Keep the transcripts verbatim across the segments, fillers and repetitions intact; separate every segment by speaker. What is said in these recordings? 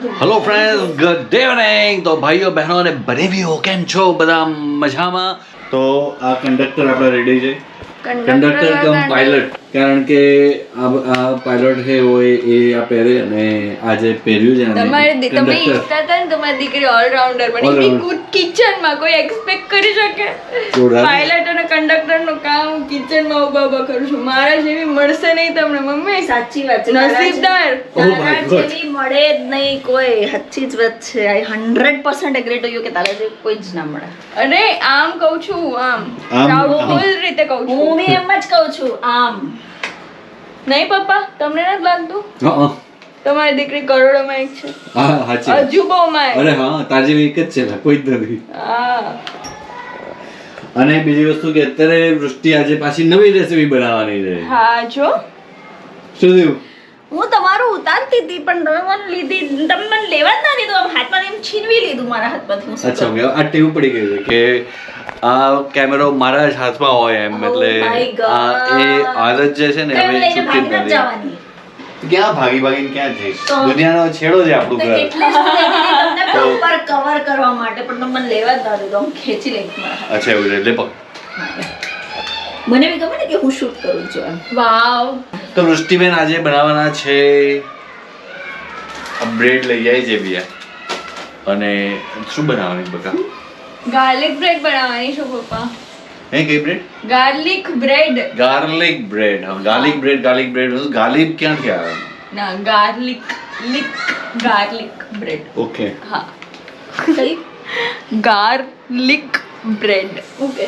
Speaker 1: Hello friends, good evening. તો ભાઈઓ બહેનો અને બનેવીઓ કેમ છો? બધા મજામાં? તો આ કંડક્ટર આપણા રેડી છે. કંડક્ટર કમ પાયલટ, કારણ કે આ પાયલટ છે હોય એ આ પહેરે અને આજે પહેર્યું છે.
Speaker 2: તમારે તમે ઈચ્છતા હતા ને તમારી દીકરી ઓલરાઉન્ડર બની કિચનમાં કોઈ એક્સપેક્ટ કરી શકે? પાયલટ અને કંડક્ટર નું કામ કિચનમાં ઉભા ઉભા કરું છું. મારા જેવી મળશે નહીં તમને મમ્મી.
Speaker 3: સાચી વાત છે,
Speaker 2: નસીબદાર.
Speaker 3: તારા જેવી મળે જ નહીં કોઈ. સાચી જ વાત છે. I hundred percent agree to you કે તારા જેવી કોઈ જ ના મળે.
Speaker 2: અરે આમ કહું છું, આમ પ્રાઉડફુલ રીતે કહું છું.
Speaker 3: હું બી એમ જ કહું છું, આમ
Speaker 2: નહીં પપ્પા, તમને નથી લાગતું?
Speaker 1: હા,
Speaker 2: તમારી દીકરી કરોડોમાં એક છે,
Speaker 1: હા સાચી.
Speaker 2: અજુબોમાં.
Speaker 1: અરે હા, તાર જેવી એક જ છે ને, કોઈ જ નથી.
Speaker 2: હા.
Speaker 1: અને બીજી વસ્તુ કે અત્યારે વૃષ્ટિ આજે પાછી નવી રેસીપી બનાવવાની છે.
Speaker 2: હા જો
Speaker 1: શું થયું?
Speaker 3: હું તમારું ઉતારતી હતી પણ તમે મને લીધી, તમે મને લેવા જ ના દીધું. આમ હાથમાંથી એમ છીનવી લીધું મારા હાથમાંથી. હું શું
Speaker 1: અચ્છા,
Speaker 3: કરું?
Speaker 1: ઓકે. આ ટેવ પડી ગઈ છે કે આ કેમેરો મારા જ હાથમાં હોય એમ,
Speaker 3: Oh
Speaker 1: એટલે
Speaker 3: my God.
Speaker 1: આ એ આદત જે છે ને
Speaker 3: તો એમ
Speaker 1: હવે
Speaker 3: લઈને
Speaker 1: છૂટતી જ
Speaker 3: ભાગી નથી
Speaker 1: નથી.
Speaker 3: જવાની.
Speaker 1: ક્યાં ભાગી ભાગીને ક્યાં જઈશ?
Speaker 3: તો-
Speaker 1: દુનિયાનો છેડો છે આપણું
Speaker 3: તો
Speaker 1: ઘર.
Speaker 3: એટલે જ હું લેતી હતી તમને proper cover કરવા માટે, પણ તમે મને લેવા જ ના દીધું. આમ ખેંચી લઈ મારા હાથ.
Speaker 1: અચ્છા, એવું છે. એટલે પકડ.
Speaker 3: મને બી ગમે ને કે હું શૂટ કરું છું એમ.
Speaker 2: વાવ.
Speaker 1: તો વૃષ્ટિબેન આજે બનાવવાના છે બ્રેડ લઈ આવી છે બિયા. અને શું બનાવવાની બકા?
Speaker 2: ગાર્લિક બ્રેડ બનાવવાની છું પપ્પા.
Speaker 1: હે, કઈ bread?
Speaker 2: Garlic bread.
Speaker 1: Garlic bread. હા, garlic bread. Garlic bread. Garlic ક્યાંથી આવે?
Speaker 2: ના, ગાર્લિક લિક ગાર્લિક બ્રેડ.
Speaker 1: ઓકે.
Speaker 2: હા,
Speaker 3: કઈ?
Speaker 2: Garlic bread.
Speaker 3: ઓકે.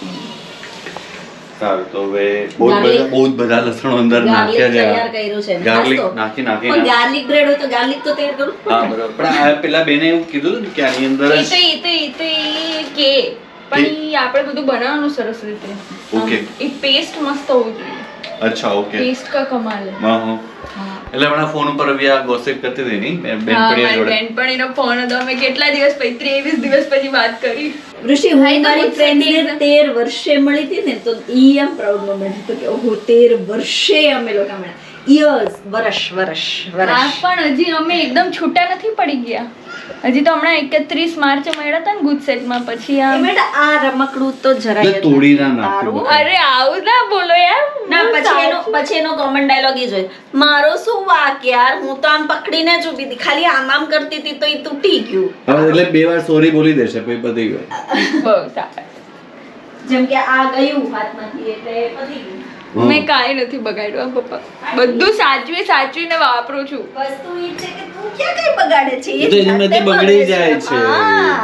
Speaker 1: સારું, તો હવે બહુ જ
Speaker 3: Garlic.
Speaker 1: બધા બહુ જ બધા લસણો અંદર
Speaker 3: ગાર્લિક
Speaker 1: નાખ્યા છે.
Speaker 3: તૈયાર કર્યું છે ને.
Speaker 1: ગાર્લિક
Speaker 3: નાસ્તો.
Speaker 1: નાખી નાખી
Speaker 3: પણ
Speaker 1: નાખી.
Speaker 3: ગાર્લિક બ્રેડ હોય તો ગાર્લિક તો તૈયાર કરવું જ
Speaker 1: હા,
Speaker 3: પડે.
Speaker 1: બરાબર. પણ આ પેલા બેને એવું કીધું હતું ને કે આની અંદર
Speaker 2: એ
Speaker 1: જ
Speaker 2: તો એ તો એ તો એ કે પણ ઈ આપણે બધું બનાવવાનું સરસ રીતે.
Speaker 1: ઓકે.
Speaker 2: એ પેસ્ટ મસ્ત હોવું જોઈએ.
Speaker 1: અચ્છા, ઓકે.
Speaker 2: પેસ્ટ કા કમાલ હે.
Speaker 1: હા, હા.
Speaker 2: હા.
Speaker 1: એટલે હમણાં ફોન ઉપર બી આ ગોસિપ કરતી હતી નહીં
Speaker 2: હા,
Speaker 1: બેનપણીઓ
Speaker 2: મારી
Speaker 1: જોડે.
Speaker 2: બેનપણીનો ફોન હતો. અમે કેટલા દિવસ પછી ત્રેવીસ દિવસ પછી વાત કરી.
Speaker 3: ઋષિ, હું
Speaker 2: હા, એ તો
Speaker 3: મારી
Speaker 2: ગુસ્સે
Speaker 3: ફ્રેન્ડ
Speaker 2: થઈ
Speaker 3: ને તેર વર્ષે મળી હતી ને, તો ઈ એમ પ્રાઉડ મોમેન્ટ હતો કે ઓહો, તેર વર્ષે અમે લોકો મળ્યા. યર્સ, વર્ષ વર્ષ
Speaker 2: હા,
Speaker 3: વર્ષ.
Speaker 2: પણ હજી અમે એકદમ છૂટા નથી પડી ગયા. હજી તો હમણાં એકત્રીસ માર્ચે મળ્યા હતા ને ગુજસેટમાં. પછી
Speaker 3: એ
Speaker 2: આ
Speaker 3: બેટા, આ રમકડું તો જરાય
Speaker 1: એટલે
Speaker 3: જ
Speaker 1: તોડી ના
Speaker 3: નથી
Speaker 1: નાખ્યું
Speaker 3: તારું.
Speaker 1: બધું.
Speaker 2: અરે આવું ના બોલો યાર.
Speaker 3: ના, પછી એનો પછી એનો કોમન ડાયલોગ ઈ જોઈ, મારો શું વાક યાર, હું તો આમ પકડીને જ ઊભી હતી, ખાલી આમ આમ કરતી હતી તો ઈ તૂટી ગયું.
Speaker 1: હવે એટલે બે વાર સોરી બોલી દેશે પછી પતી ગયું.
Speaker 2: બહુ સારા.
Speaker 3: જેમ કે આ ગયું હાથમાંથી એટલે પતી ગયું.
Speaker 1: હમ.
Speaker 2: મેં કાંઈ નથી બગાડ્યું આ પપ્પા. બધું સાચવી સાચવીને વાપરું છું.
Speaker 3: વસ્તુ ઈ છે કે તું ક્યાં કઈ બગાડે છે?
Speaker 1: એ તો એનાથી
Speaker 3: જાતે
Speaker 1: બગડી
Speaker 3: બગડે
Speaker 1: જાય છે.
Speaker 3: હા.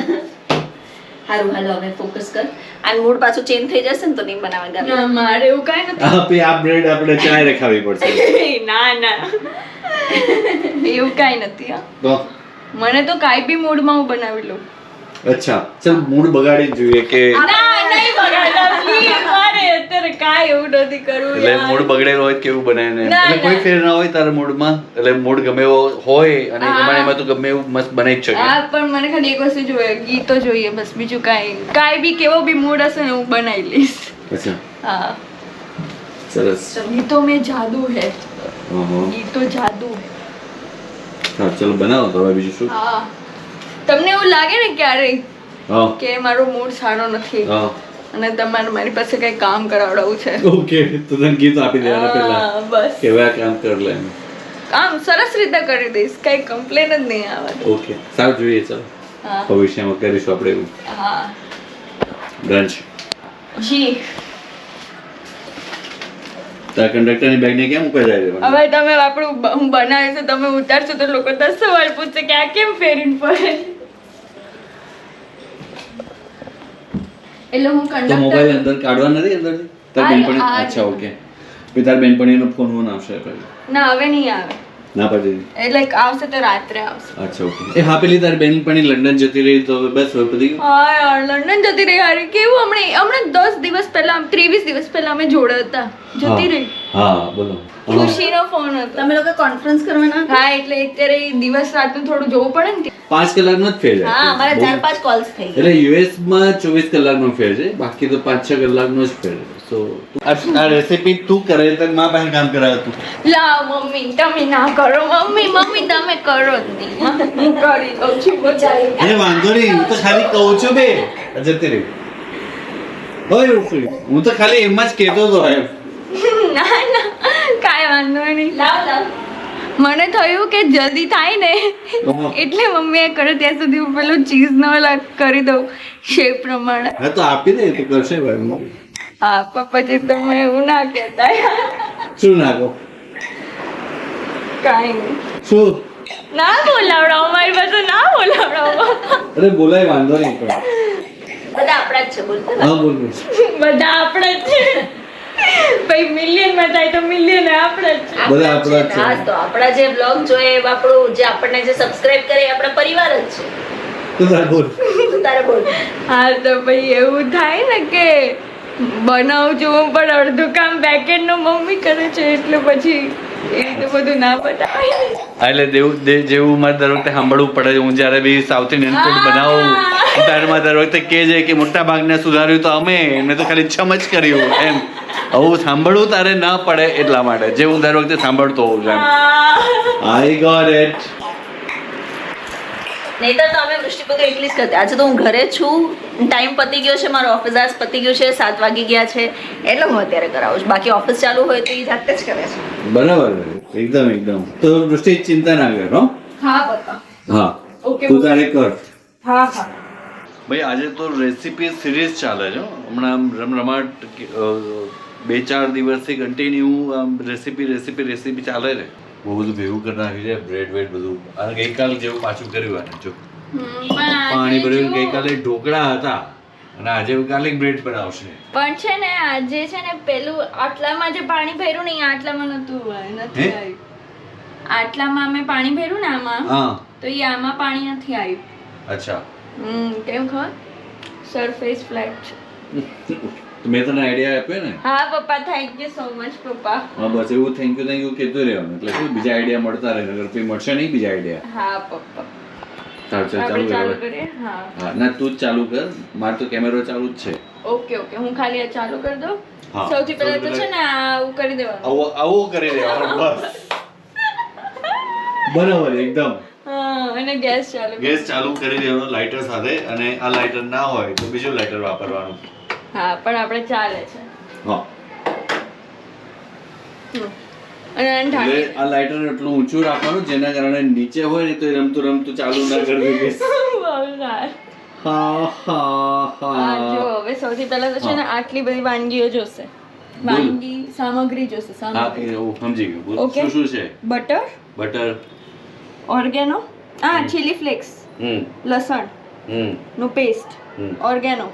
Speaker 3: હારું, હાલો હવે ફોકસ કર. આ મૂડ પાછું ચેન્જ થઈ જશે ને તો નહીં બનાવવા.
Speaker 2: ના, મારે એવું કાંઈ નથી.
Speaker 1: આ પછી આ બ્રેડ આપણે ચાય રખાવી પડશે.
Speaker 2: ના ના એવું કાંઈ નથી. હા,
Speaker 1: તો
Speaker 2: મને તો કાંઈ બી મૂડમાં હું બનાવી લઉં.
Speaker 1: અચ્છા, ચાલ મૂડ બગાડી જ જોઈએ કે
Speaker 2: ના, નહીં બગાડતા please. મારે અત્યારે કાંઈ એવું નથી કરવું
Speaker 1: એટલે
Speaker 2: યાર.
Speaker 1: મૂડ બગડેલો હોય તો કેવું બનાવે ને
Speaker 2: ના,
Speaker 1: એટલે કોઈ
Speaker 2: ના.
Speaker 1: ફેર ના હોય તારા મૂડમાં, એટલે મૂડ ગમે એવો હોય અને
Speaker 2: હા.
Speaker 1: એમાં એમાં તું ગમે એવું મસ્ત બનાવી જ શકે.
Speaker 2: હા, પણ મને ખાલી એક વસ્તુ જોઈએ, ગીતો જોઈએ બસ. બીજું કાંઈ કાંઈ બી કેવો બી મૂડ હશે ને હું બનાવી લઈશ.
Speaker 1: અચ્છા,
Speaker 2: હા,
Speaker 1: સરસ.
Speaker 2: ગીતો में जादू है.
Speaker 1: હા, હા.
Speaker 2: ગીતો જાદુ है.
Speaker 1: હા, ચલો બનાવો તો હવે બીજું શું.
Speaker 2: હા, તમને એવું લાગે ને ક્યારેય
Speaker 1: હા,
Speaker 2: કે મારો મૂડ સારો નથી
Speaker 1: હા.
Speaker 2: અને તમારે મારી પાસે કઈ કામ કરાવડાવવું છે,
Speaker 1: ઓકે, તો તને ગીત આપી દેવાના પહેલા
Speaker 2: હા, બસ
Speaker 1: કે હવે આ કામ કર લે એમ.
Speaker 2: કામ સરસ રીતે કરી દઈશ. કઈ કમ્પ્લેન જ નહીં આવવાની.
Speaker 1: ઓકે, સારું, જોઈએ. ચાલો
Speaker 2: હા
Speaker 1: ભવિષ્યમાં કરીશું આપણે એવું.
Speaker 2: હા
Speaker 1: ડન છે.
Speaker 2: જી.
Speaker 1: તારા કંડક્ટરની બેગને કેમ મૂકવા જાય છે?
Speaker 2: હવે તમે આપણું બ- હું બનાવીશ તો તમે ઉતારશો તો લોકો દસ સવાલ પૂછશે કે આ કેમ ફેરીને પડે. એટલે હું
Speaker 1: તો મોબાઈલ
Speaker 2: કંડક્ટર
Speaker 1: અંદર કાઢવા નથી અંદરથી? તાર
Speaker 2: આ-
Speaker 1: બેનપણી?
Speaker 2: આ
Speaker 1: અચ્છા, ઓકે. પછી તાર બેનપણીનો ફોન ફોન આવશે પછી?
Speaker 2: ના હવે નહીં આવે.
Speaker 1: ના પાડી દીધી?
Speaker 2: એટલે આવશે તો રાત્રે આવશે.
Speaker 1: અચ્છા, ઓકે. એ હા, પેલી તારી બેનપણી લંડન જતી રહી તો હવે બસ હવે પતી ગયું?
Speaker 2: હા યાર, લંડન જતી રહી. હારી કેવું હમણાં હમણાં દસ દિવસ પહેલા ત્રેવીસ દિવસ પહેલા અમે જોડે હતા. જતી
Speaker 1: હા.
Speaker 2: રહી.
Speaker 1: હા બોલો.
Speaker 2: ખુશીનો ફોન હતો.
Speaker 3: તમે લોકો કોન્ફરન્સ કરવાના?
Speaker 2: હા એટલે અત્યારે દિવસ રાતનું થોડું જોવું પડે ને.
Speaker 1: પાંચ કલાકનો જ ફેર છે.
Speaker 3: હા અમારા ચાર પાંચ કોલ્સ થઈ ગયા.
Speaker 1: એટલે યુએસ માં ચોવીસ કલાકનો ફેર છે, બાકી તો પાંચ છ કલાકનો જ ફેર છે. સો આ રેસીપી તું કરે તો માં પાસે કામ કરાવે તું.
Speaker 2: લાવ મમ્મી તમે ના કરો, મમ્મી મમ્મી તમે કરો જ નહીં. હું કરી દઉં છું બચારી.
Speaker 1: અરે વાંધો નહીં, હું તો ખાલી કહું છું બે જતી રહી. હોય ઉફરી. હું તો ખાલી એમ જ કહેતો હતો એમ.
Speaker 2: ના ના કાંઈ વાંધો નહીં.
Speaker 3: લાવ લાવ.
Speaker 2: મને થયું કે જલ્દી થાય ને એટલે મમ્મીએ કરે ત્યાં સુધી હું પેલું ચીઝ નો કરી દઉં શેપ પ્રમાણે.
Speaker 1: હા તો આપી દે તો કરશે ભાઈ.
Speaker 2: હા પણ પછી તમે એવું ના કહેતા.
Speaker 1: શું નાખો?
Speaker 2: કાંઈ નહીં.
Speaker 1: શું
Speaker 2: ના બોલાવડાવો મારી પાસે, ના બોલાવડાવો.
Speaker 1: અરે બોલાય વાંધો નહીં પણ.
Speaker 3: બધા આપણા જ છે બોલતો.
Speaker 1: હા બોલ બોલ.
Speaker 2: બધા આપણે જ છે ભાઈ. મિલિયન માં થાય તો મિલિયન આપણે જ છે.
Speaker 1: બધા આપણા જ છે.
Speaker 3: હા તો આપણા જે બ્લોગ જોઈએ એ આપણું જે આપણને જે સબસ્ક્રાઇબ કરે એ આપણા પરિવાર જ છે.
Speaker 1: તું તાર બોલ.
Speaker 3: તું તારે બોલ.
Speaker 2: હા તો ભાઈ એવું થાય ને કે બનાવું છું હું પણ અડધું કામ બેકેન્ડ નું મમ્મી કરે છે એટલે પછી એ રીતે બધું ના બતાવાય.
Speaker 1: એટલે દેવું દે- જેવું મારે દર વખતે સાંભળવું પડે. હું જ્યારે બી સાઉથ ઇન્ડિયન ફૂડ બનાવું ત્યારે મારે દર વખતે કહે છે કે મોટા ભાગને સુધાર્યું તો અમે, મેં તો ખાલી છમ જ કર્યું એમ. આવું સાંભળવું તારે ના પડે એટલા માટે જે હું દર વખતે સાંભળતો હોઉં છું એમ. I got it.
Speaker 3: નહીતર તો અમે વૃષ્ટિ પગ એટલી જ કરતી. આજે તો હું ઘરે છું, ટાઈમ પતી ગયો છે, મારો ઓફિસ આજ પતી ગયું છે, સાત વાગી ગયા છે એટલે હું અત્યારે કરાવું છું. બાકી ઓફિસ ચાલુ હોય તો એ જાતે જ કરે છે.
Speaker 1: બરાબર એકદમ એકદમ. તો દૃષ્ટિ ચિંતા ના કર હો.
Speaker 2: હા બતા.
Speaker 1: હા
Speaker 2: Okay,
Speaker 1: તું તારે કર.
Speaker 2: હા હા
Speaker 1: ભાઈ આજે તો રેસીપી સિરીઝ ચાલે છે હો. હમણાં આમ રમરમાટ અ, બે ચાર દિવસથી કન્ટિન્યુ આમ રેસીપી રેસીપી રેસીપી ચાલે છે. બહુ બધું ભેગું કરી નાખ્યું છે, બ્રેડ વેડ બધું. અને ગઈકાલ જેવું પાછું કર્યું આને જો. પાણી ભર્યું. ગઈકાલે ઢોકળા હતા અને આજે ગાર્લિક બ્રેડ બનાવશે.
Speaker 2: પણ છે ને આજે છે ને પેલું આટલામાં જે પાણી ભર્યું ને એ આટલામાં નતું નથી
Speaker 1: હે?
Speaker 2: આવ્યું. આટલામાં અમે પાણી ભર્યું ને આમાં
Speaker 1: હા
Speaker 2: તો એ આમાં પાણી નથી આવ્યું.
Speaker 1: અચ્છા.
Speaker 2: હમ કેમ ખબર? સરફેસ ફ્લેટ છે.
Speaker 1: તો મેં તને આઈડિયા આપ્યો ને.
Speaker 2: હા પપ્પા થેન્ક યુ સો મચ પપ્પા.
Speaker 1: હા બસ એવું થેન્ક યુ થેન્ક યુ કહેતું રહેવાનું એટલે શું બીજા આઈડિયા મળતા રહે. નગર પછી મળશે નહીં બીજા આઈડિયા.
Speaker 2: હા પપ્પા
Speaker 1: ચાલ ચાલ
Speaker 2: આપણે
Speaker 1: ચાલુ
Speaker 2: ચાલુ
Speaker 1: કર.
Speaker 2: કરીએ. હા
Speaker 1: હા ના તું જ ચાલુ કર. મારે તો કેમેરો ચાલુ જ છે.
Speaker 2: ઓકે ઓકે હું ખાલી આ ચાલુ કરી દઉં.
Speaker 1: હા.
Speaker 2: સૌથી પહેલા તો
Speaker 1: સૌથી
Speaker 2: છે ને આવું કરી દેવાનું.
Speaker 1: આવો આવો કરી દેવાનું બસ. બરાબર એકદમ.
Speaker 2: હા અને ગેસ ચાલુ કરી-
Speaker 1: ગેસ ચાલુ કરી દેવાનો લાઇટર સાથે. અને આ લાઇટર ના હોય તો બીજું લાઇટર વાપરવાનું.
Speaker 2: હા પણ આપણે ચાલે છે.
Speaker 1: હા
Speaker 2: હમ. અને આને ઢાંકી
Speaker 1: એટલે આ લાઇટર એટલું ઊંચું રાખવાનું જેના કારણે નીચે હોય ને તો એ રમતું રમતું ચાલુ ના કરી દે ગેસ.
Speaker 2: બહુ સારું.
Speaker 1: હા હા
Speaker 2: હા જો
Speaker 1: હા.
Speaker 2: હવે સૌથી પહેલા તો છે ને આટલી બધી વાનગીઓ જોશે. વાનગી સામગ્રી જોશે.
Speaker 1: હા
Speaker 2: સામગ્રી
Speaker 1: એ હું સમજી ગયો. બોલ.
Speaker 2: Okay.
Speaker 1: શું શું છે?
Speaker 2: Butter,
Speaker 1: butter.
Speaker 2: ઓર્ગેનો, હા ચીલી ફ્લેક્સ,
Speaker 1: હમ
Speaker 2: લસણ
Speaker 1: હમ
Speaker 2: નું પેસ્ટ,
Speaker 1: હમ.
Speaker 2: ઓર્ગેનો,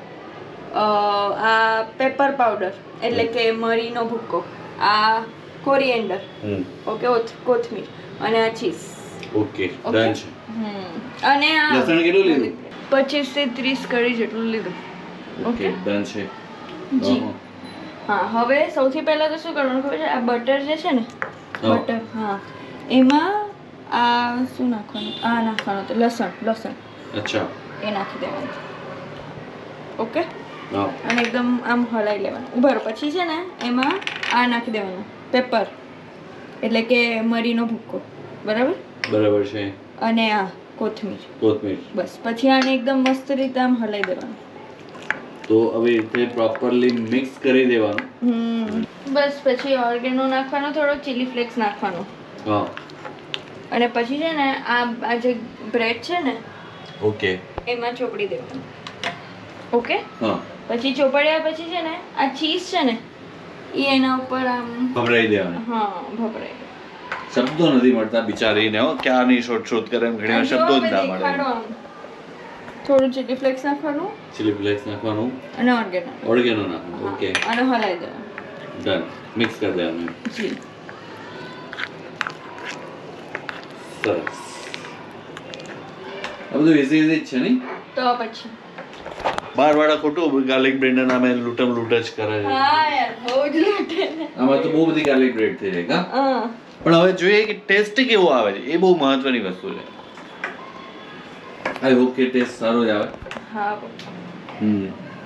Speaker 2: આ પેપર પાવડર એટલે કે મરીનો ભૂક્કો, આ કોરિએન્ડર,
Speaker 1: હમ.
Speaker 2: ઓકે કોથમીર અને આ ચીઝ.
Speaker 1: Okay
Speaker 2: Okay.
Speaker 1: ડન છે.
Speaker 2: હમ અને આ
Speaker 1: લસણ કેટલું લીધું?
Speaker 2: પચીસ થી ત્રીસ કડી જેટલું લીધું.
Speaker 1: Okay
Speaker 2: Okay.
Speaker 1: ડન છે.
Speaker 2: જી.
Speaker 1: અહં.
Speaker 2: હા હવે સૌથી પહેલા તો શું કરવાનું ખબર છે? આ બટર જે છે ને
Speaker 1: હા.
Speaker 2: બટર હા એમાં આ શું નાખવાનું? આ નાખવાનું તો લસણ લસણ
Speaker 1: અચ્છા.
Speaker 2: એ નાખી દેવાનું. ઓકે
Speaker 1: હા
Speaker 2: અને એકદમ આમ હલાવી લેવાનું. ઉભા રહો. પછી છે ને એમાં આ નાખી દેવાનું પેપર એટલે કે મરીનો ભૂક્કો, બરાબર?
Speaker 1: બરાબર છે.
Speaker 2: અને આ કોથમીર.
Speaker 1: કોથમીર.
Speaker 2: બસ પછી આને એકદમ મસ્ત રીતે આમ હલાવી દેવાનું.
Speaker 1: તો હવે તે પ્રોપરલી મિક્સ કરી દેવાનું.
Speaker 2: હમ બસ પછી ઓર્ગેનો નાખવાનો, થોડો ચીલી ફ્લેક્સ નાખવાનો
Speaker 1: હા
Speaker 2: અને પછી છે ને આ આ જે બ્રેડ છે ને
Speaker 1: ઓકે.
Speaker 2: એમાં ચોપડી દેવાનું. ઓકે
Speaker 1: હા
Speaker 2: પછી ચોપડ્યા પછી છે ને આ ચીઝ છે ને એ એના ઉપર આમ
Speaker 1: ભભરાઈ દેવાનું.
Speaker 2: હા ભભરાઈ દે.
Speaker 1: શબ્દો નથી મળતા બિચારીને હો. ક્યારની શોધ શોધ કરે એમ ઘણી વાર શબ્દો જ ના
Speaker 2: દેખાડો
Speaker 1: મળે.
Speaker 2: આમ. થોડું ચીલી ફ્લેક્સ નાખવાનું
Speaker 1: ચીલી ફ્લેક્સ નાખવાનું.
Speaker 2: અને ઓર્ગેનો
Speaker 1: ઓર્ગેનો નાખવાનું. ઓકે
Speaker 2: અને હલાવી દેવાનું.
Speaker 1: ડન. મિક્સ કરી દેવાનું.
Speaker 2: જી
Speaker 1: સરસ. આ બધું ઇઝી ઇઝી જ છે નહીં?
Speaker 2: તો પછી
Speaker 1: બાર વાળા ખોટું ગાર્લિક બ્રેડ ના નામે લૂંટમ લૂંટ જ કરે છે.
Speaker 2: હા યાર બહુ જ લૂંટે ને.
Speaker 1: આમાં તો બહુ બધી ગાર્લિક બ્રેડ થઈ જાય કા
Speaker 2: હા
Speaker 1: પણ હવે જોઈએ કે ટેસ્ટ કેવો આવે છે એ બહુ મહત્વની વસ્તુ છે. આઈ હોપ કે ટેસ્ટ સારો જ આવે.
Speaker 2: હા પપ્પા.
Speaker 1: હમ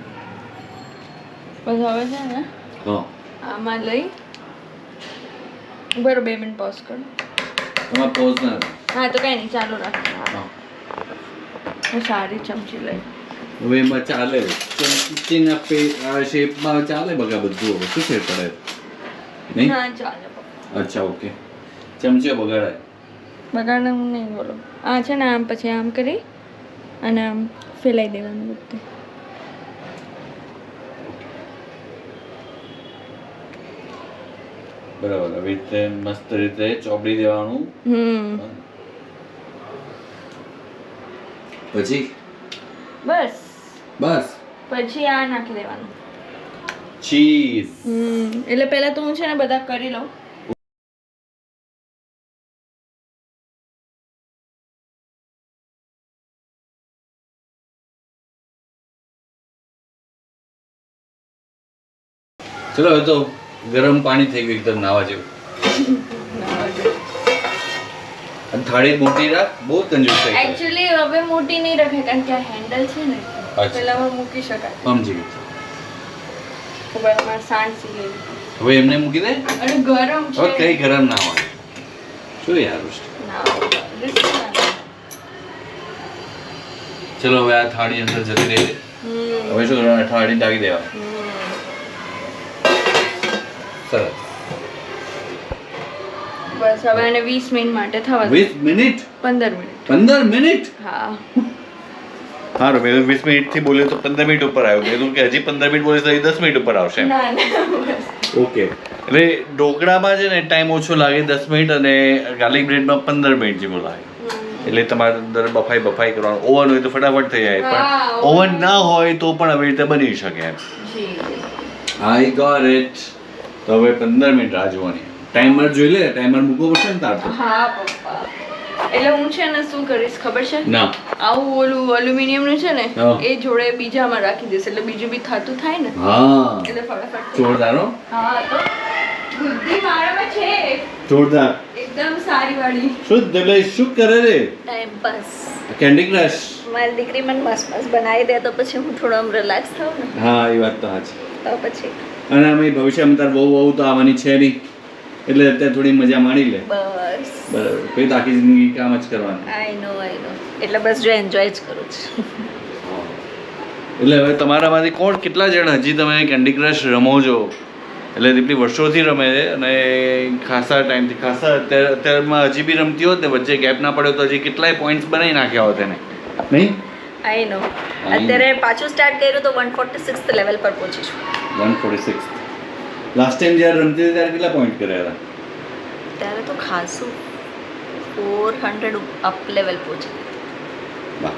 Speaker 2: બસ હવે છે ને
Speaker 1: હા
Speaker 2: આમાં લઈ બરો બે મિનિટ પોઝ કરો.
Speaker 1: તમારે પોઝ ના થાય.
Speaker 2: હા તો કઈ નહીં ચાલુ રાખ.
Speaker 1: હા
Speaker 2: હું સારી ચમચી લઈ.
Speaker 1: હવે એમાં ચાલે ચમચી ના પે આ શેપમાં ચાલે બગા બધું હવે શું ફેર પડે નહીં
Speaker 2: ના ચાલે પપ્પા.
Speaker 1: અચ્છા ઓકે ચમચીઓ બગાડાય
Speaker 2: બગાડને હું નહીં બોલો. આ છે ને આમ પછી આમ કરી અને આમ ફેલાઈ દેવાનું બધું.
Speaker 1: બરાબર આવી રીતે મસ્ત રીતે ચોપડી દેવાનું.
Speaker 2: હમ
Speaker 1: પછી
Speaker 2: બસ
Speaker 1: બસ
Speaker 2: પછી આ નાખી દેવાનું.
Speaker 1: ચીઝ
Speaker 2: હમ એટલે પહેલા તો હું છે ને બધા કરી લઉં.
Speaker 1: ચલો હવે તો ગરમ પાણી થઈ ગયું એકદમ નાવા જેવું. અને થાળી મોટી રાખ બહુ કંજૂસ થઈ ગઈ.
Speaker 2: એકચ્યુઅલી હવે મોટી નહીં રખાય કારણ કે આ હેન્ડલ છે ને
Speaker 1: અચ્છા.
Speaker 2: પેલામાં મૂકી શકાય.
Speaker 1: સમજી ગઈ.
Speaker 2: ખબર મારે સાંજ લેવી.
Speaker 1: હવે એમને મૂકી દે.
Speaker 2: અને ગરમ
Speaker 1: હવે
Speaker 2: છે.
Speaker 1: કઈ ગરમ ના હોય શું યાર
Speaker 2: ના risk ના.
Speaker 1: ચલો હવે આ થાળી અંદર જતી રહી છે.
Speaker 2: હમ
Speaker 1: હવે શું કરવાનું થાળી ઢાંકી દેવા.
Speaker 2: હમ.
Speaker 1: સરસ
Speaker 2: બસ હવે આને વીસ મિનિટ માટે થવા દે.
Speaker 1: વીસ મિનિટ
Speaker 2: પંદર મિનિટ.
Speaker 1: પંદર મિનિટ
Speaker 2: હા
Speaker 1: સારું મેં વીસ મિનિટ થી બોલ્યો તો પંદર મિનિટ ઉપર આવ્યો મેં કીધું કે હજી પંદર મિનિટ બોલીશ તો દસ મિનિટ ઉપર આવશે
Speaker 2: ના ના બસ.
Speaker 1: ઓકે એટલે ઢોકળામાં છે ને ટાઈમ ઓછો લાગે દસ મિનિટ અને ગાર્લિક બ્રેડમાં પંદર મિનિટ જેવું લાગે એટલે તમારે અંદર બફાઈ બફાઈ કરવાનું ઓવન હોય તો ફટાફટ થઈ જાય
Speaker 2: હા,
Speaker 1: પણ ઓવન ના હોય તો પણ આવી રીતે બની શકે એમ
Speaker 2: જી
Speaker 1: આઈ ગોટ ઇટ તો હવે પંદર મિનિટ રાહ જોવાની ટાઈમર જોઈ લે ટાઈમર મૂકવો પડશે ને તાર તો
Speaker 2: હા પપ્પા એટલે હું છે ને શું કરીશ ખબર છે
Speaker 1: ના
Speaker 2: આવું ઓલું એલ્યુમિનિયમ નું છે ને
Speaker 1: હા.
Speaker 2: એ જોડે બીજામાં રાખી દઈશ એટલે બીજું બી થતું થાય ને
Speaker 1: હા
Speaker 2: એટલે ફટાફટ થઈ જાય.
Speaker 1: જોરદાર હો
Speaker 2: હા તો બુદ્ધિ મારામાં છે
Speaker 1: જોરદાર
Speaker 2: એકદમ સારી વાળી.
Speaker 1: શું એટલે શું કરે રે
Speaker 3: ટાઈમ પાસ.
Speaker 1: કેન્ડી ક્રશ
Speaker 3: મારી દીકરી મને મસ્ત મસ્ત બનાવી દે તો પછી હું થોડો આમ રિલેક્સ થાઉં ને
Speaker 1: હા એ વાત તો સાચી
Speaker 3: તો પછી
Speaker 1: અને અમે ભવિષ્યમાં તાર બહુ બહુ તો આવવાની છે નહીં એટલે અત્યારે થોડી મજા માણી લે
Speaker 3: બસ
Speaker 1: બરાબર પછી તો આખી જિંદગી કામ જ કરવાનું
Speaker 3: આઈ નો આઈ નો એટલે બસ જો એન્જોય જ કરું છું.
Speaker 1: એટલે હવે તમારામાંથી કોણ કેટલા જણ હજી તમે કેન્ડી ક્રશ રમો છો એટલે દીપલી વર્ષોથી રમે છે અને ખાસા ટાઈમથી ખાસા અત્યારે અત્યારમાં હજી બી રમતી હોત ને વચ્ચે ગેપ ના પડ્યો તો હજી કેટલાય પોઈન્ટ્સ બનાવી નાખ્યા હોત એને નહીં
Speaker 3: આઈ નો અત્યારે પાછું સ્ટાર્ટ કર્યું તો વન ફોર્ટી સિક્સ લેવલ પર પહોંચી છું.
Speaker 1: One forty six last time જ્યારે રમતી હતી ત્યારે કેટલા પોઈન્ટ કર્યા હતા
Speaker 3: ત્યારે તો ખાસું ફોર હંડ્રેડ અપ લેવલ પહોંચી.
Speaker 1: વાહ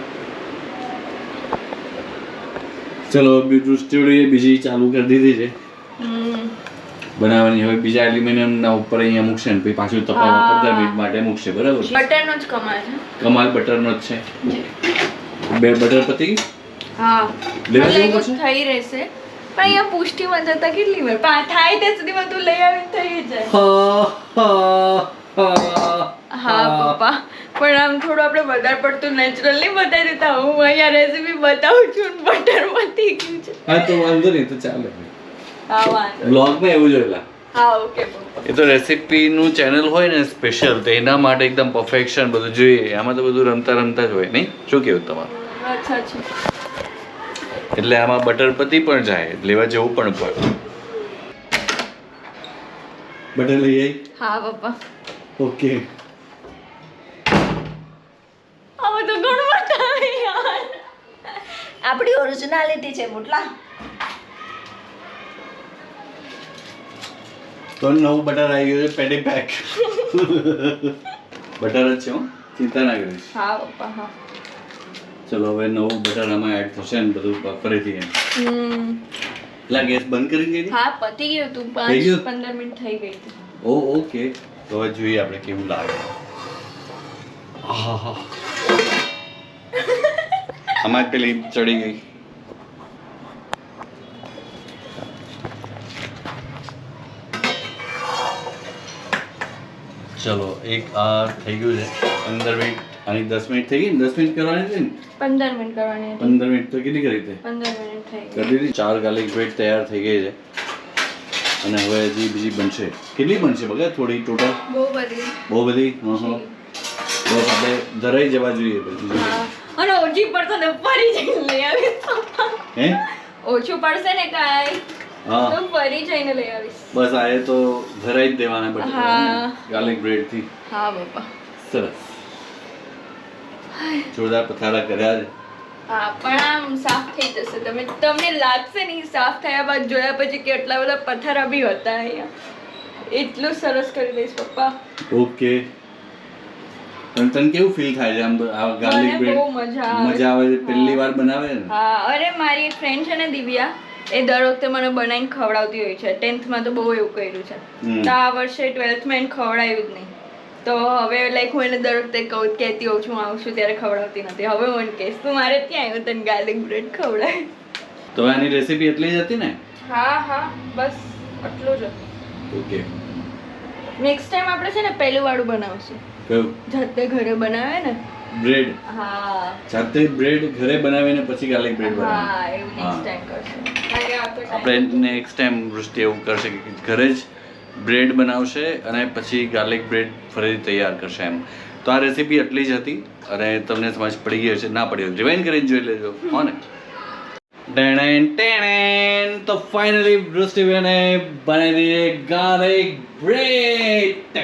Speaker 1: ચલો બીજું સ્ટુડિયો બીજી ચાલુ કરી દીધી છે
Speaker 2: હમ
Speaker 1: બનાવવાની હવે બીજા એલ્યુમિનિયમના ઉપર અહીંયા મૂકશે ને પછી પાછું તપાવવા
Speaker 2: હા.
Speaker 1: પંદર મિનિટ માટે મૂકશે બરાબર
Speaker 2: બટરનો જ કમાલ છે.
Speaker 1: કમાલ બટરનો જ છે બે બટર પતી ગઈ?
Speaker 2: હા
Speaker 1: લેવા
Speaker 2: એટલે
Speaker 1: જવું
Speaker 2: એવું
Speaker 1: પડશે?
Speaker 2: થઈ રહેશે પણ અહીંયા પુષ્ટિમાં જતા કેટલી વાર પા- થાય ત્યાં સુધીમાં તું લઈ આવીને થઈ જાય.
Speaker 1: હા હા હા
Speaker 2: હા પપ્પા પણ આમ થોડું આપણે વધારે પડતું નેચરલ નહીં બતાવી દેતા હું અહીંયા રેસીપી બતાવું છું ને બટર વધી ગયું છે.
Speaker 1: હા તો વાંધો નહીં તો ચાલે
Speaker 2: હા વાંધો
Speaker 1: બ્લોગમાં એવું જોયેલા
Speaker 2: હા ઓકે પપ્પા.
Speaker 1: એ તો રેસીપીનું ચેનલ હોય ને સ્પેશિયલ તો એના માટે એકદમ પરફેક્શન બધું જોઈએ આમાં તો બધું રમતા રમતા જ હોય નહીં શું કેવું તમારું
Speaker 2: અચ્છા અચ્છા
Speaker 1: એટલે આમાં બટર પતી પણ જાય લેવા જવું પણ પડે બટર લઈ આવી
Speaker 2: હા પપ્પા
Speaker 1: ઓકે
Speaker 2: હવે તો ઘણું બતાવે યાર.
Speaker 3: આપણી ઓરિજિનાલિટી છે મોટલા.
Speaker 1: તો નવું બટર આવી ગયું છે પેટી પેક બટર જ છે હો ચિંતા ના કરીશ
Speaker 2: હા પપ્પા હા
Speaker 1: ચલો હવે નવું બટર આમાં એડ થશે ને બધું ફરીથી એમ
Speaker 2: હમ
Speaker 1: એટલે ગેસ બંધ કરી દીધી
Speaker 2: હા પતી ગયું તું
Speaker 1: થઈ
Speaker 2: પાંચ
Speaker 1: ગયું?
Speaker 2: પંદર મિનિટ થઈ ગઈ હતી.
Speaker 1: ઓ ઓકે તો હવે જોઈએ આપણે કેવું લાગે આહાહા. આમાં જ પેલી ચડી ગઈ ચલો એક આ થઈ ગયું છે પંદર મિનિટ આની દસ મિનિટ થઈ ગઈ ને દસ મિનિટ કરવાની હતી ને
Speaker 2: પંદર મિનિટ કરવાની હતી.
Speaker 1: પંદર મિનિટ તો કેટલી કરી હતી
Speaker 2: પંદર મિનિટ થઈ ગઈ.
Speaker 1: કરી દીધી ચાર ગાર્લિક બ્રેડ તૈયાર થઈ ગઈ છે અને હવે હજી બીજી બનશે કેટલી બનશે બગા થોડી ટોટલ
Speaker 2: બહુ બધી.
Speaker 1: બહુ બધી હં હં બસ આપણે ધરાઈ જવા જોઈએ પછી
Speaker 2: હા. અને ઓછી પડશે ને ફરી જઈને લઈ આવીશ.
Speaker 1: હે
Speaker 2: ઓછું પડશે ને કાંઈ
Speaker 1: હા
Speaker 2: તો ફરી જઈને લઈ આવીશ.
Speaker 1: બસ આ એ તો ધરાઈ જ દેવાના
Speaker 2: હા.
Speaker 1: પછી ગાર્લિક બ્રેડ થી
Speaker 2: હા બાપા.
Speaker 1: સરસ જોરદાર પથારા કર્યા છે
Speaker 2: હા પણ આમ સાફ થઈ જશે. તમે તમને લાગશે નહીં સાફ થયા બાદ જોયા પછી કે એટલા બધા પથ્થરા બી હતા અહીંયા. એટલું સરસ કરી દઈશ પપ્પા.
Speaker 1: ઓકે તને તને કેવું ફીલ થાય છે આમ આ ગાર્લિક
Speaker 2: મને
Speaker 1: બ્રેડ
Speaker 2: બહુ મજા આવે.
Speaker 1: મજા આવે છે પહેલી વાર બનાવે ને
Speaker 2: હા અરે મારી એક ફ્રેન્ડ છે ને દિવ્યા એ દર વખતે મને બનાવીને ખવડાવતી હોય છે. ટેન્થમાં તો બહુ એવું કર્યું છે.
Speaker 1: હમ.
Speaker 2: તો આ વર્ષે ટ્વેલ્થમાં એને ખવડાવ્યું જ નહીં. તો હવે લાઈક હું એને દર વખતે કહું કહેતી હોઉં છું આવું છું ત્યારે ખવડાવતી નથી. હવે હું એને કહીશ તું મારે ત્યાં આવ્યું તને ગાર્લિક બ્રેડ ખવડાય.
Speaker 1: તો આની રેસીપી એટલી જ હતી ને
Speaker 2: હા હા બસ આટલું જ.
Speaker 1: ઓકે
Speaker 2: નેક્સ્ટ ટાઈમ આપણે છે ને પહેલું વાળું બનાવશું
Speaker 1: કયું
Speaker 2: જાતે ઘરે બનાવે ને.
Speaker 1: બ્રેડ
Speaker 2: હા
Speaker 1: જાતે બ્રેડ ઘરે બનાવીને પછી ગાર્લિક બ્રેડ બનાવે
Speaker 2: હા એવું નેક્સ્ટ ટાઈમ કરશું. કારણ કે આ તો time
Speaker 1: આપણે નેક્સ્ટ ટાઈમ વૃષ્ટિ એવું કરશે કે ઘરે જ બ્રેડ બનાવશે અને પછી ગાર્લિક બ્રેડ ફરીથી તૈયાર કરશે એમ તો આ રેસીપી એટલી જ હતી અને તમને સમજ પડી ગઈ હશે ના પડી હોય રિવાઇન્ડ કરીને જોઈ લેજો હો ને ટેણેન ટેણેન તો ફાઇનલી વૃષ્ટિબેને બનાવી દીધી ગાર્લિક બ્રેડ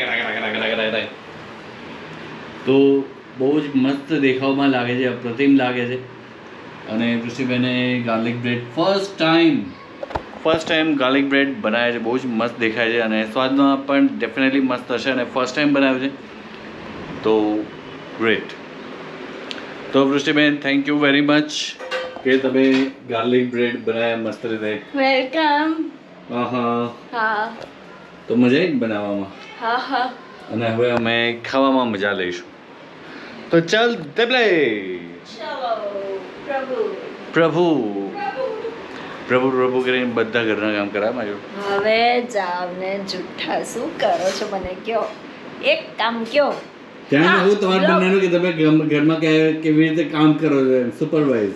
Speaker 1: તો બહુ જ મસ્ત દેખાવમાં લાગે છે અપ્રતિમ લાગે છે અને વૃષ્ટિબેને garlic bread first time first time garlic bread બનાવ્યા છે બહુ જ મસ્ત દેખાય છે અને સ્વાદમાં પણ ડેફિનેટલી મસ્ત હશે અને ફર્સ્ટ ટાઈમ બનાવ્યું છે તો ગ્રેટ તો Vrushtiben thank you very much કે તમે ગાર્લિક બ્રેડ બનાવ્યા મસ્ત રીતે
Speaker 2: વેલકમ.
Speaker 1: હા હા
Speaker 2: હા
Speaker 1: તો મજા આવી ને બનાવવામાં
Speaker 2: હા હા
Speaker 1: અને હવે અમે ખાવામાં મજા લઈશું તો ચાલ તેબલે
Speaker 3: ચલો પ્રભુ
Speaker 1: પ્રભુ પ્રભુ પ્રભુ કરીને બધા ઘરના કામ કરાવવા જો
Speaker 3: હવે જાવ ને જુઠ્ઠા શું કરો છો મને કયો એક કામ કયો
Speaker 1: ત્યાં
Speaker 3: હા,
Speaker 1: આવું તમારે
Speaker 3: લો.
Speaker 1: બનાવ્યું કે તમે ઘર- ઘરમાં કે- કેવી રીતે કામ કરો છો સુપરવાઇઝ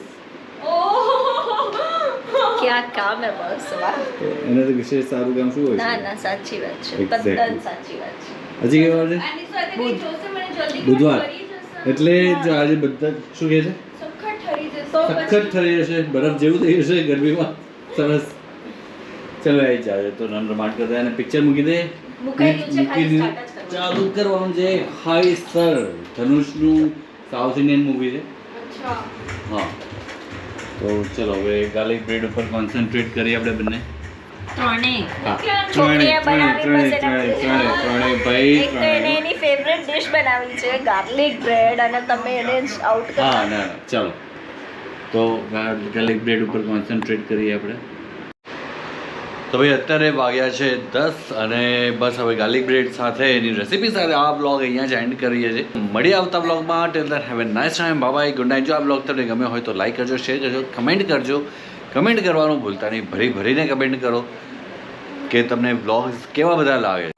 Speaker 3: ક્યાં કામ હે બસ વાહ
Speaker 1: એનાથી વિશેષ સારું કામ શું હોય
Speaker 3: ના
Speaker 1: છે
Speaker 3: ના સાચી વાત છે
Speaker 1: Exactly.
Speaker 3: તદ્દન સાચી વાત છે
Speaker 1: હજી કેવા છે
Speaker 2: આની સાથે કંઈ જોશે મને જલ્દી
Speaker 1: બુધવાર
Speaker 2: કરી જશે.
Speaker 1: એટલે જો આજે બધા શું કહે છે
Speaker 2: સખત ઠરી જશે.
Speaker 1: સખત ઠરી જશે બરફ જેવું થઈ જશે ગરમીમાં સરસ ચલો આવી જાય તો રમરમાટ કરતા અને પિક્ચર મૂકી દે
Speaker 3: મુકાઈ ગયું છે, ખાલી
Speaker 1: મૂકી
Speaker 3: start જ કરવાનું.
Speaker 1: ચાલુ કરવાનું છે હાઈ સર ધનુષનું સાઉથ ઇન્ડિયન મૂવી છે
Speaker 2: અચ્છા
Speaker 1: હા તો ચલો હવે ગાર્લિક બ્રેડ ઉપર કોન્સન્ટ્રેટ કરીએ આપણે બંને
Speaker 3: ત્રણેય
Speaker 1: હા
Speaker 3: છોકરીએ
Speaker 1: ત્રણે
Speaker 3: બનાવી
Speaker 1: ત્રણે
Speaker 3: બસ
Speaker 1: ત્રણે
Speaker 3: એના-
Speaker 1: ત્રણે ત્રણે ભાઈ
Speaker 3: એક તો એને
Speaker 1: ત્રણે
Speaker 3: એની ફેવરેટ ડિશ બનાવી છે ગાર્લિક બ્રેડ અને તમે એને જ આઉટ
Speaker 1: હા
Speaker 3: કરો
Speaker 1: ના ના ચાલો તો ગાર્લિક બ્રેડ ઉપર કોન્સન્ટ્રેટ કરીએ આપણે તો ભાઈ અત્યારે વાગ્યા છે દસ અને બસ હવે ગાર્લિક બ્રેડ સાથે એની રેસીપી સાથે આ બ્લોગ અહીંયા જ એન્ડ કરીએ છીએ મળી આવતા બ્લોગમાં till then have a nice time bye good night જો આ બ્લોગ તમને ગમ્યો હોય તો લાઈક કરજો શેર કરજો કમેન્ટ કરજો કમેન્ટ કરવાનું ભૂલતા નહીં ભરી ભરીને કમેન્ટ કરો કે તમને બ્લોગ્સ કેવા બધા લાગે